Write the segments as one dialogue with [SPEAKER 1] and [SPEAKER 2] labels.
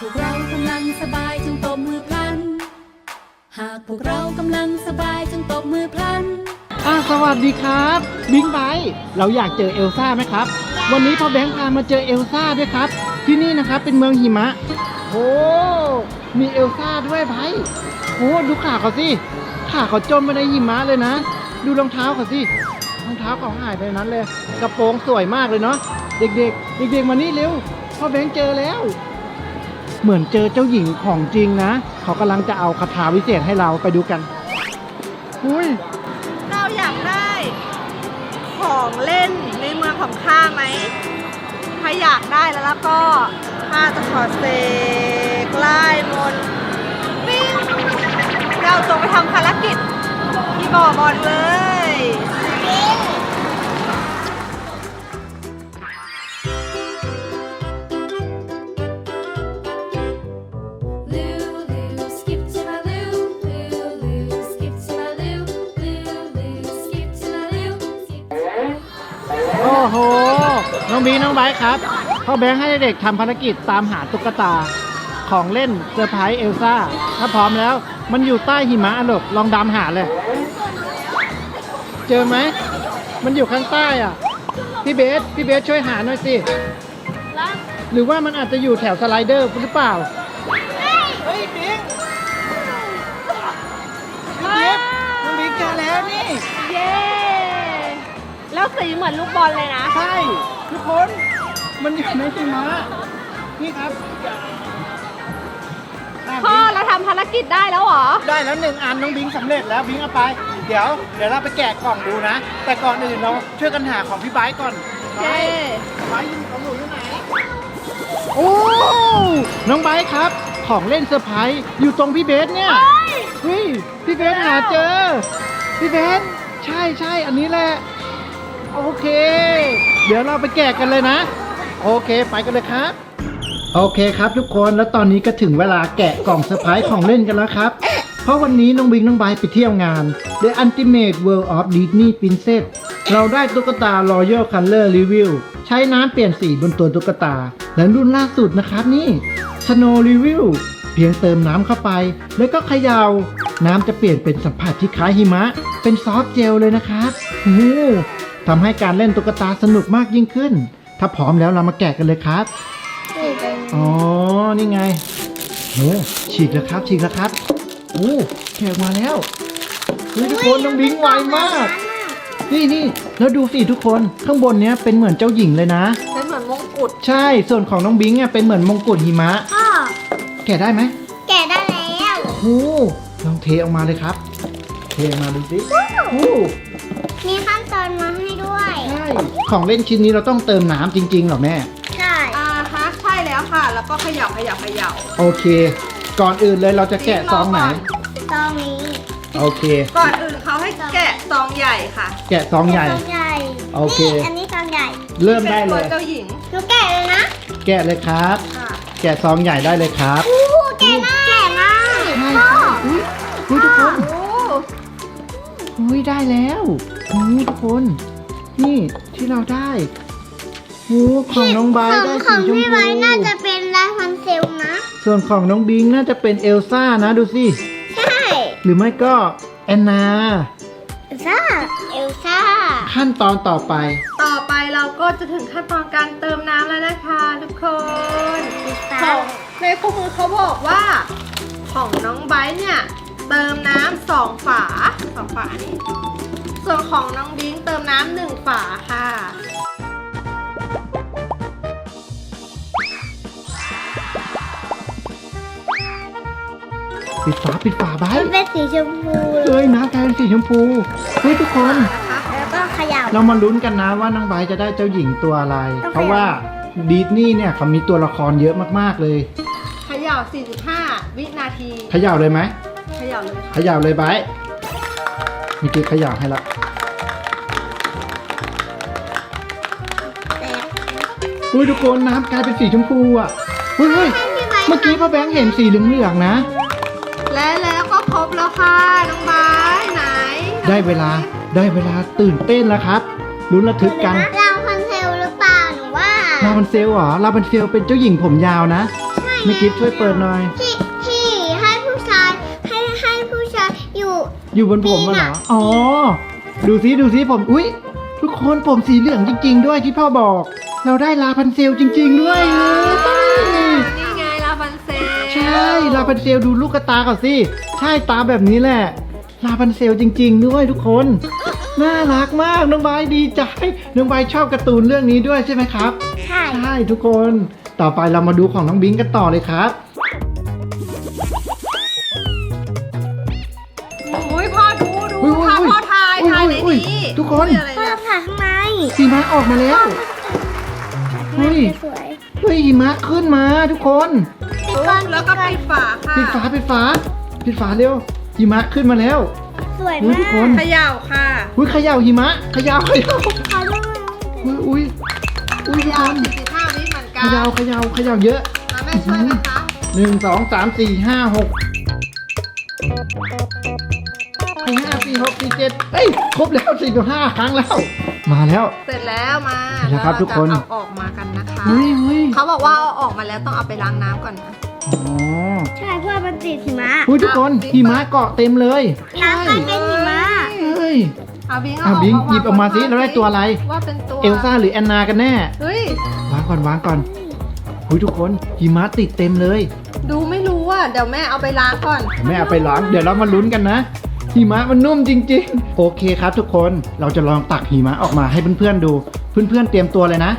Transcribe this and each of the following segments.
[SPEAKER 1] พวกเรากำลังสบายจงตบมือพลันหากพวกเรากำลังสบายจงตบมือพลัน
[SPEAKER 2] สวัสดีครับบิงไบค์เราอยากเจอเอลซ่าไหมครับวันนี้พ่อแบงค์พามาเจอเอลซ่าด้วยครับที่นี่นะครับเป็นเมืองหิมะโอ้มีเอลซ่าด้วยไบค์โอ้ดูขาเขาสิขาเขาจมไปในหิมะเลยนะดูรองเท้าเขาสิรองเท้าเขาหายไปนั้นเลยกระโปรงสวยมากเลยเนาะเด็กๆเด็กๆมานี่เร็วพ่อแบงค์เจอแล้วเหมือนเจอเจ้าหญิงของจริงนะเขากำลังจะเอาคาถาวิเศษให้เราไปดูกันอุ้ย
[SPEAKER 3] เราอยากได้ของเล่นในเมืองของข้าไหมถ้าอยากได้แล้วก็ข้าจะขอเสกไล่มนต์วิ่งเราจงไปทำภารกิจที่บ่อบอลเลย
[SPEAKER 2] โอ้โหน้องบีน้องไบค์ครับพ่อแบงค์ให้เด็กทำภารกิจตามหาตุ๊กตาของเล่นเซอร์ไพรส์เอลซ่าถ้าพร้อมแล้วมันอยู่ใต้หิมะอันดกลองดำหาเลยเจอไหมมันอยู่ข้างใต้อ่ะพี่เบสช่วยหาหน่อยสิหรือว่ามันอาจจะอยู่แถวสไลเดอร์หรือเปล่าเฮ้ยบิงน้องบิ๊กเจอแล้วนี่
[SPEAKER 3] เย้แล้วสีเหมือนลูกบอลเลยนะ
[SPEAKER 2] ใช่ทุกคนมันอยู่ในหิมะนี่ครับ
[SPEAKER 3] พ่อเราทำภารกิจได้แล้วเหรอ
[SPEAKER 2] ได้แล้ว1 อันน้องบิงสำเร็จแล้วบิงเอาไปเดี๋ยวเราไปแกะกล่องดูนะแต่ก่อนอื่นเราช่วยกันหาของพี่ไบค์ก่อนไบค์ของหนูอยู่ไหนโอ้น้องไบค์ครับของเล่นเซอร์ไพรส์อยู่ตรงพี่เบสเนี่ยเฮ้ยพี่เบสหาเจอพี่เบสใช่อันนี้แหละโอเคเดี๋ยวเราไปแกะกันเลยนะโอเคไปกันเลยครับโอเคครับทุกคนแล้วตอนนี้ก็ถึงเวลาแกะกล่องเซอร์ไพรส์ของเล่นกันแล้วครับเพราะวันนี้น้องบิงน้องไบค์ไปเที่ยวงาน The Ultimate World of Disney Princess เราได้ตุ๊กตา Royal Color Review ใช้น้ำเปลี่ยนสีบนตัวตุ๊กตาและรุ่นล่าสุดนะครับนี่ Snow Review เพียงเติมน้ำเข้าไปแล้วก็เขย่าน้ำจะเปลี่ยนเป็นสัมผัสที่คล้ายหิมะเป็นซอฟต์เจลเลยนะครับทำให้การเล่นตุ๊กตาสนุกมากยิ่งขึ้นถ้าพร้อมแล้วเรามาแกะกันเลยครับอ๋อนี่ไงโอ้ฉีกแล้วครับโอ้แกะมาแล้วทุกคนน้องบิงไวมากนี่แล้วดูสิทุกคนข้างบนเนี้ยเป็นเหมือนเจ้าหญิงเลยนะ
[SPEAKER 3] เป็นเหมือนมงกุฎ
[SPEAKER 2] ใช่ส่วนของน้องบิงอ่ะเป็นเหมือนมงกุฎหิมะแกะได้ไหม
[SPEAKER 3] แกะได้แล้ว
[SPEAKER 2] โอ้ลองเทออกมาเลยครับเทออกมาดูสิ
[SPEAKER 3] มีขั้นตอนมาให้ด้วย
[SPEAKER 2] ใช่ของเล่นชิ้นนี้เราต้องเติมน้ำจริงๆเหรอแม่
[SPEAKER 3] ใช่ใช่แล้วค่ะแล้วก็เขย่า
[SPEAKER 2] โอเคก่อนอื่นเลยเราจะแกะซองไหน
[SPEAKER 3] ซองนี้
[SPEAKER 2] โอเค
[SPEAKER 3] ก่อนอื่นเขาให้แกะซองใหญ่ค่ะ
[SPEAKER 2] แกะซองใหญ่โอเค
[SPEAKER 3] อันนี้ซองใหญ่
[SPEAKER 2] เริ่มได้เลย
[SPEAKER 3] เจ้าหญิงหนูแกะเลยนะ
[SPEAKER 2] แกะเลยครับแกะซองใหญ่ได้เลยครับ
[SPEAKER 3] แกะมาก
[SPEAKER 2] ใช่อุ้ยทุกคนอุ้ยได้แล้วทุกคนนี่ที่เราได้ของน้องไบร์ได้สีชมพูของพี่ไบร์
[SPEAKER 3] น่าจะเป็นลาพันเซลนะ
[SPEAKER 2] ส่วนของน้องบิงน่าจะเป็นเอลซ่านะดูสิ
[SPEAKER 3] ใช่
[SPEAKER 2] หรือไม่ก็แอนนา
[SPEAKER 3] เอลซ่า
[SPEAKER 2] ขั้นตอนต่อไป
[SPEAKER 3] เราก็จะถึงขั้นตอนการเติมน้ำแล้วนะคะทุกคนในคู่มือเขาบอกว่าของน้องไบร์เนี่ยเติมน้ำ2 ฝานี่ส่วนของน้องบิงเติมน้ำ1 ฝาค่ะ
[SPEAKER 2] ปิดฝาไว้
[SPEAKER 3] มันเป็นสีชมพู
[SPEAKER 2] น้ำกลายเป็นสีชมพูทุกคน
[SPEAKER 3] แล้วก็เขย่า
[SPEAKER 2] เรามาลุ้นกันนะว่าน้องไบร์จะได้เจ้าหญิงตัวอะไรเพราะว่าดิสนีย์เนี่ยเขามีตัวละครเยอะมากๆเลย
[SPEAKER 3] เขย่า45 วินาที
[SPEAKER 2] เขย่าเลยไหม
[SPEAKER 3] เขย่า
[SPEAKER 2] เลยไบร์มีกี่เขย่าให้ละทุกคนน้ำกลายเป็นสีชมพูอ่ะเมื่อกี้พ่อแบงค์เห็นสีเหลืองๆนะ
[SPEAKER 3] แล้วก็ครบแล้วค่ะน้องไบร์ไหน
[SPEAKER 2] ได้เวลาตื่นเต้นแล้วครับลุ้นระทึกกัน
[SPEAKER 3] ลาพันเซลหรือเปล่าหนูว่า
[SPEAKER 2] ลาพันเซลเหรอลาพันเซลเป็นเจ้าหญิงผมยาวนะ
[SPEAKER 3] ใช่
[SPEAKER 2] ไม่กิฟช่วยเปิดหน่อย
[SPEAKER 4] ที่ให้ผู้ชายให้ผู้ชายอยู่
[SPEAKER 2] อยู่บนผมมาเหรอ อ๋อ ดูซิผม อุ๊ย ทุกคนผมสีเหลืองจริง ๆ ด้วยที่พ่อบอก เราได้ลาพันเซลจริง ๆ ด้วย
[SPEAKER 3] นี่ไงลาพันเซล
[SPEAKER 2] ใช่ลาพันเซลดูลูกกระตาก่อนสิ ใช่ตาแบบนี้แหละ ลาพันเซลจริง ๆ ด้วยทุกคน น่ารักมากน้องใบดีใจ น้องใบชอบการ์ตูนเรื่องนี้ด้วยใช่ไหมครับ
[SPEAKER 4] ใช่
[SPEAKER 2] ใช่ทุกคน ต่อไปเรามาดูของน้องบิงกันต่อเลยครับ
[SPEAKER 3] อุ้ยพ่อดู
[SPEAKER 2] อุ๊ย
[SPEAKER 3] พาพ่อถ่ายใน
[SPEAKER 2] อุ๊ย
[SPEAKER 3] นี้
[SPEAKER 2] ทุกคน
[SPEAKER 3] อะไร
[SPEAKER 4] พ่อ
[SPEAKER 3] เนี่ย
[SPEAKER 4] ผ่าข้างใน
[SPEAKER 2] หิมะออกมาแล้ว เฮ้ย
[SPEAKER 4] สวย
[SPEAKER 2] เฮ้ยหิมะขึ้นมาทุกคน
[SPEAKER 4] ปิดก่อน
[SPEAKER 3] แล้วก็ปิดฝาค่ะ
[SPEAKER 2] ปิดฝาเร็วหิมะขึ้นมาแล้ว
[SPEAKER 4] สวย
[SPEAKER 2] อุ๊ย
[SPEAKER 4] มา
[SPEAKER 2] ทุกคน
[SPEAKER 4] ก
[SPEAKER 3] เขย่าค่ะ
[SPEAKER 2] อุ้ยเขย่าหิมะเขย่า
[SPEAKER 4] ขอดู
[SPEAKER 2] อุ้ยทุกคน
[SPEAKER 3] 45 วิเหมือน
[SPEAKER 2] เข
[SPEAKER 3] กัน
[SPEAKER 2] ย่าเยอะ
[SPEAKER 3] มาแม่ช่วยไหมคะ
[SPEAKER 2] 1 2 3 4 5 6 5 4 6 4 7เอ้ยครบแล้ว45ครั้งแล้ว มาแล้ว
[SPEAKER 3] เสร็จแล้วมา
[SPEAKER 2] เสร็จแล้วครับทุกคน
[SPEAKER 3] เราจะเอาออกมากันนะคะ
[SPEAKER 2] เฮ้ย
[SPEAKER 3] เขาบอกว่าเอาออกมาแล้วต้องเอาไปล้างน้ำก่อนนะ
[SPEAKER 2] อ๋อ
[SPEAKER 4] ใช่เพื่อมันติดหิมะ
[SPEAKER 2] อุ้ยทุกคนหิมะเกาะเต็มเลย
[SPEAKER 4] น้ำก็เป็นหิมะ
[SPEAKER 2] เฮ้ย
[SPEAKER 3] เอาบิง
[SPEAKER 2] บิงหยิบออกมาสิเราได้ตัวอะไร
[SPEAKER 3] ว่าเป็นตัว
[SPEAKER 2] เอลซ่าหรือแอนนากันแน่
[SPEAKER 3] เฮ้ย
[SPEAKER 2] วางก่อนอุ้ยทุกคนหิมะติดเต็มเลย
[SPEAKER 3] ดูไม่รู้อ่ะเดี๋ยวแม่เอาไปล้างก่อน
[SPEAKER 2] แม่เอาไปล้างเดี๋ยวเรามาลุ้นกันนะหิมะมันนุ่มจริงๆ โอเคครับทุกคนเราจะลองตักหิมะออกมาให้เพื่อนๆดูเพื่อนๆเตรียมตัวเลยนะ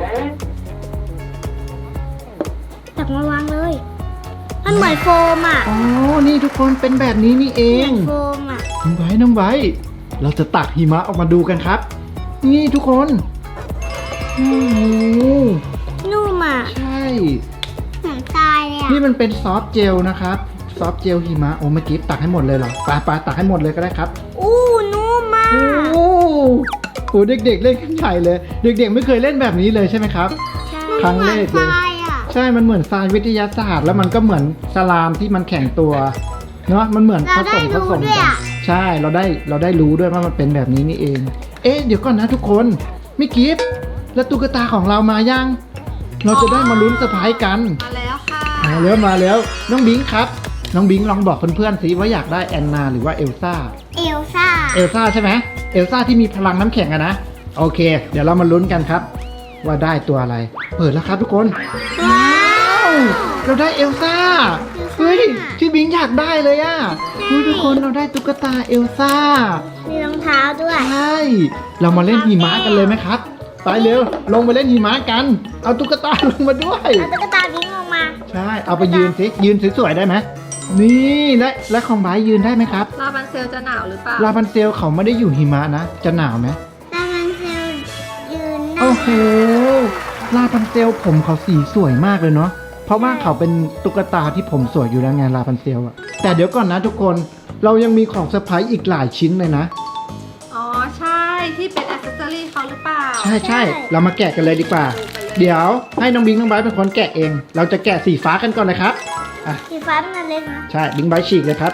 [SPEAKER 4] ตักมาวางเลย มันเหมือนโฟมอ่ะ
[SPEAKER 2] อ๋อนี่ทุกคนเป็นแบบนี้นี่เอ
[SPEAKER 4] เหมื
[SPEAKER 2] ง
[SPEAKER 4] อนโฟมอ่ะ
[SPEAKER 2] น้องไบร์ทเราจะตักหิมะออกมาดูกันครับ นี่ทุกคนโอ้โห
[SPEAKER 4] นุ่มอ่ะ
[SPEAKER 2] ใช่
[SPEAKER 4] เหมือนทรายเลยอ่ะ
[SPEAKER 2] นี่มันเป็นซอฟต์เจลนะครับซอฟต์เจลหิมะโอ้เมื่อกี้ตักให้หมดเลยเหรอปาตักให้หมดเลยก็ได้ครับ
[SPEAKER 4] อู้นุ่มมาก
[SPEAKER 2] โอ้โหเด็กๆเล่นกันใหญ่เลย เด็กๆไม่เคยเล่นแบบนี้เลยใช่ไหมครับ
[SPEAKER 4] ใช่
[SPEAKER 2] ครั้งแรกเลย
[SPEAKER 4] หมือนทรายอ่ะ
[SPEAKER 2] ใช่มันเหมือนทรายวิทยาศาสตร์ แล้วมันก็เหมือนสลามที่มันแข็งตัวเนาะมันเหมือนผสมกันใช่เราได้รู้ด้วยว่ามันเป็นแบบนี้นี่เอง เอ๊ะเดี๋ยวก่อนนะทุกคนมิกิฟแล้วตุ๊กตาของเรามายังเราจะได้มาลุ้นเซอร์ไพรส์กัน
[SPEAKER 3] มาแล้วค่ะ
[SPEAKER 2] มาแล้วน้องบิงครับน้องบิงลองบอกเพื่อนๆสิว่าอยากได้แอนนาหรือว่าเอลซ่า
[SPEAKER 4] เอลซ่า
[SPEAKER 2] เอลซ่าใช่ไหมเอลซ่าที่มีพลังน้ำแข็งอะนะโอเค เดี๋ยวเรามาลุ้นกันครับ ว่าได้ตัวอะไร เปิดแล้วครับทุกคน
[SPEAKER 4] ว้าว
[SPEAKER 2] เราได้เอลซ่าเฮ้ยที่บิงอยากได้เลยอะเฮ้ยทุกคนเราได้ตุ๊กตาเอลซ่า
[SPEAKER 4] มีรองเท้าด้วย
[SPEAKER 2] ใช่เรามาเล่นหิมะกันเลยไหมครับไปเร็วลงไปเล่นหิมะกัน เอาตุ๊กตาลงมาด้วย
[SPEAKER 4] เอาตุ๊กตาวิ่งออกมา
[SPEAKER 2] ใช่เอาไปยืนสิยืนสวยๆได้ไหมนี่และของไบร์ทยืนได้ไหมครับ
[SPEAKER 3] ลาบันเซลจะหนาวหรือเปล่า
[SPEAKER 2] ลาพันเซลเขาไม่ได้อยู่หิมะนะจะหนาวไหม
[SPEAKER 4] แต่มันเซลยืนหน้า
[SPEAKER 2] โอ้โหลาพันเซลผมเขาสีสวยมากเลยเนาะ เพราะว่าเขาเป็นตุ๊กตาที่ผมสวยอยู่แล้วไงลาพันเซลอะแต่เดี๋ยวก่อนนะทุกคน เรายังมีของเซอร์ไพรส์อีกหลายชิ้นเลยนะ
[SPEAKER 3] อ๋อใช่ที่เป็นอ c เซสซอรี่เขาหรือเปล่า
[SPEAKER 2] ใช่เรามาแกะกันเลยดีกว่า เดี๋ยวให้น้องบิงน้องไบร์ทเป็นคนแกะเอง เราจะแกะสีฟ้ากันก่อนเลยครับ อ่ะ
[SPEAKER 4] สีฟ้ามันเล็กนะ
[SPEAKER 2] ใช่บิงไบร์ทฉีกเลยครับ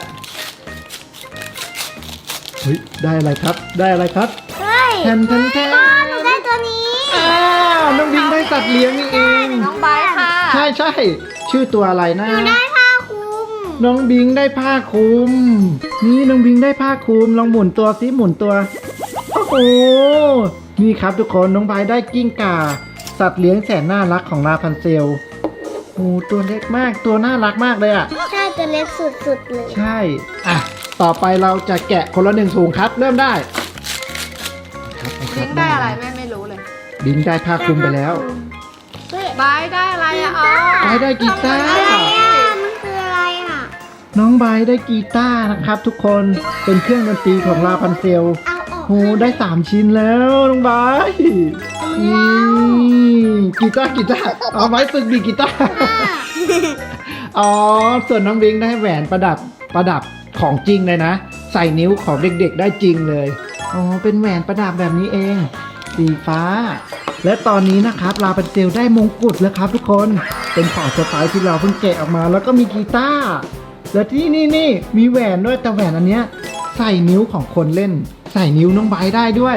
[SPEAKER 2] เฮ้ยได้อะไรครับ ได้อะไรครับ
[SPEAKER 4] เฮ้ย
[SPEAKER 2] แทน
[SPEAKER 4] พ่อหนูได้ตัวนี้
[SPEAKER 2] อ้าวน้องบิงได้สัตว์เลี้ยงนี่เอง
[SPEAKER 3] น้องไบร์ทค่ะ
[SPEAKER 2] ใช่ชื่อตัวอะไรนะ
[SPEAKER 4] หนูได้ผ้าคลุม
[SPEAKER 2] น้องบิงได้ผ้าคลุม นี่น้องบิงได้ผ้าคลุม ลองหมุนตัวซิหมุนตัว โอ้โห นี่ครับทุกคนน้องไบร์ทได้กิ้งก่า สัตว์เลี้ยงแสนน่ารักของลาพันเซล โอ้ตัวเล็กมาก ตัวน่ารักมากเลยอ่ะ
[SPEAKER 4] ใช่ตัวเล็กสุดๆเลย
[SPEAKER 2] ใช่ อ่ะ ต่อไปเราจะแกะคนละ1ถุงครับ เริ่มได้ครับเอาค
[SPEAKER 3] บิ
[SPEAKER 2] รับ
[SPEAKER 3] งได้อะไรแม่ไม่รู้เลย
[SPEAKER 2] บิงได้ผ้าคลุมไปแล้ว
[SPEAKER 4] เฮ้ย
[SPEAKER 3] ไบร์ทได้อะไรอ่ะอ๋อ
[SPEAKER 2] ไบร์ทได้กีตาร์
[SPEAKER 4] อะไรอ่ะ มันคืออะไรอ่ะ
[SPEAKER 2] น้องไบร์ทได้กีตาร์นะครับ ทุกคน เป็นเครื่องดนตรีของลาพันเซล
[SPEAKER 4] เอาออก
[SPEAKER 2] โอ้ได้3ชิ้นแล้วน้องไบร์ทนี่กีตาร์เอาไว้ฝึกดีดกีตาร์ อ๋อ ส่วนน้องบิงได้แหวนประดับของจริงเลยนะ ใส่นิ้วของเด็กๆได้จริงเลย อ๋อ เป็นแหวนประดับแบบนี้เอง สีฟ้า และตอนนี้นะครับลาพันเซลได้มงกุฎแล้วครับทุกคน เป็นของเซอร์ไพรส์ที่เราเพิ่งแกะออกมา แล้วก็มีกีตาร์ และที่นี่มีแหวนด้วยแต่แหวนอันเนี้ยใส่นิ้วของคนเล่น ใส่นิ้วน้องไบร์ทได้ด้วย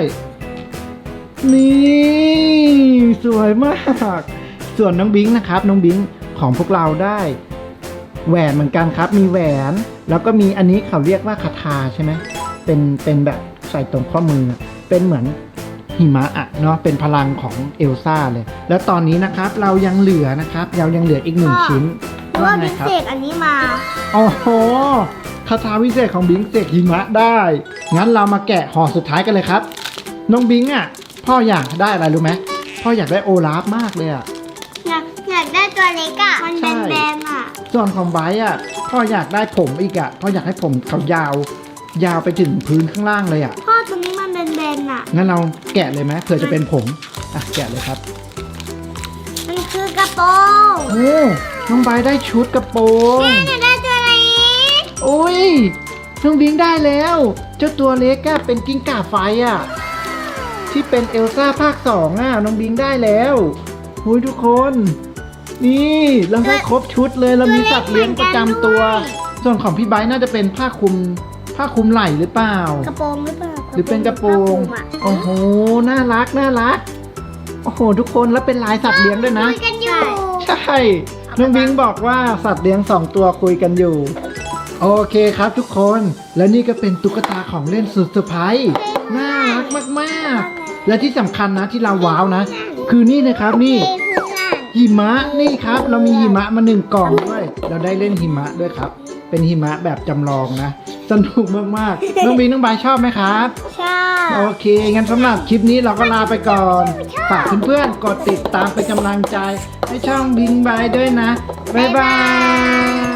[SPEAKER 2] นี่สวยมาก ส่วนน้องบิงนะครับน้องบิงของพวกเราได้แหวนเหมือนกันครับมีแหวนแล้วก็มีอันนี้เขาเรียกว่าคาถาใช่ไหมเป็นแบบใส่ตรงข้อมือเป็นเหมือนหิมะอะเนาะเป็นพลังของเอลซ่าเลยแล้วตอนนี้นะครับเรายังเหลือนะครับเรายังเหลืออีก1ชิ้น
[SPEAKER 4] เพราะว่าบิ๊กเสกอันนี้มา
[SPEAKER 2] โอ้โหคาถาวิเศษของบิงเสกหิมะได้งั้นเรามาแกะห่อสุดท้ายกันเลยครับน้องบิงอ่ะพ่ออยากได้อะไรรู้ไหมพ่ออยากได้โอลาฟมากเลยอ่ะ
[SPEAKER 4] อยากได้ตัวเล็กอ่ะ มัน
[SPEAKER 2] ใช่
[SPEAKER 4] แบนๆอ่ะ
[SPEAKER 2] ส่วนของไบร์ทอ่ะพ่ออยากได้ผมอีกอ่ะพ่ออยากให้ผมเขายาวไปถึงพื้นข้างล่างเลยอ่ะ
[SPEAKER 4] พ่อตัวนี้มันแบนๆอ่ะ
[SPEAKER 2] งั้นเราแกะเลยไหมเผื่อจะเป็นผมอ่ะแกะเลยครับ
[SPEAKER 4] มันคือกระโปรง
[SPEAKER 2] โอ้น้องไบร์ทได้ชุดกระโปรง
[SPEAKER 4] อยากได้ตัวเล็ก
[SPEAKER 2] โอ้ยน้องบิงได้แล้วเจ้าตัวเล็กอ่ะเป็นกิ้งก่าไฟอ่ะที่เป็นเอลซ่าภาค2อ่ะน้องบิงได้แล้วโอ้ยทุกคน นี่เราได้ครบชุดเลยเรามีสัตว์เลี้ยงประจำตัว ส่วนของพี่ไบร์ทน่าจะเป็นผ้าคลุมไหล่หรือเปล่า
[SPEAKER 4] กระโปรงหรือเปล่า
[SPEAKER 2] หรือเป็นกระโปรง
[SPEAKER 4] ผ้าคลุมอะ
[SPEAKER 2] โอ้โหน่ารักโอ้โหทุกคนแล้วเป็นลายสัตว์เลี้ยงด้วยนะ
[SPEAKER 4] คุยกันอยู่
[SPEAKER 2] ใช่น้องบิงบอกว่าสัตว์เลี้ยง2ตัวคุยกันอยู่โอเคครับทุกคนและนี่ก็เป็นตุ๊กตาของเล่นสุดเซอร์ไพรส์น่ารักมากๆและที่สำคัญนะที่เราว้าวนะ คือนี่นะครับนี่หิมะนี่ครับเรามีหิมะมา1 กล่องด้วยเราได้เล่นหิมะด้วยครับเป็นหิมะแบบจำลองนะสนุกมากๆน้องบิงน้องบายชอบไหมครับ
[SPEAKER 4] ใช่
[SPEAKER 2] โอเคงั้นสำหรับคลิปนี้เราก็ลาไปก่อนฝากเพื่อนๆกดติดตามเป็นกำลังใจให้ช่องบิงบายด้วยนะบ๊ายบาย